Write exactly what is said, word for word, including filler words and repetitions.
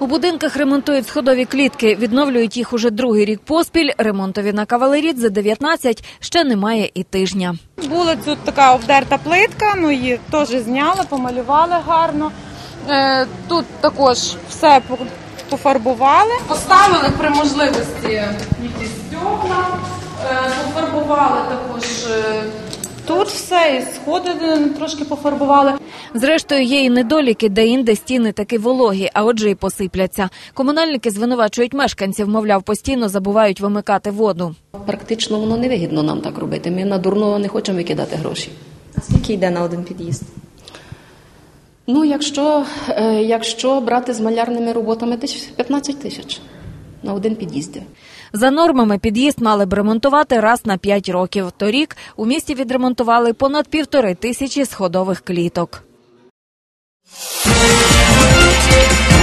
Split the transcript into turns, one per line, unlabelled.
У будинках ремонтують сходові клітки, відновлюють їх уже другий рік поспіль. Ремонтові на Кавалерідзе дев'ятнадцять ще немає і тижня.
Була тут така обдерта плитка, ну її теж зняли, помалювали гарно. Тут також все пофарбували. Поставили при можливості якісь стекла, пофарбували також тут все, і сходи трошки пофарбували.
Зрештою, є і недоліки, де-інде стіни таки вологі, а отже і посипляться. Комунальники звинувачують мешканців, мовляв, постійно забувають вимикати воду.
Практично воно не вигідно нам так робити. Ми на дурного не хочемо викидати гроші.
А скільки йде на один під'їзд?
Ну, якщо, якщо брати з малярними роботами, десь п'ятнадцять тисяч на один під'їзд.
За нормами під'їзд мали б ремонтувати раз на п'ять років. Торік у місті відремонтували понад півтори тисячі сходових кліток.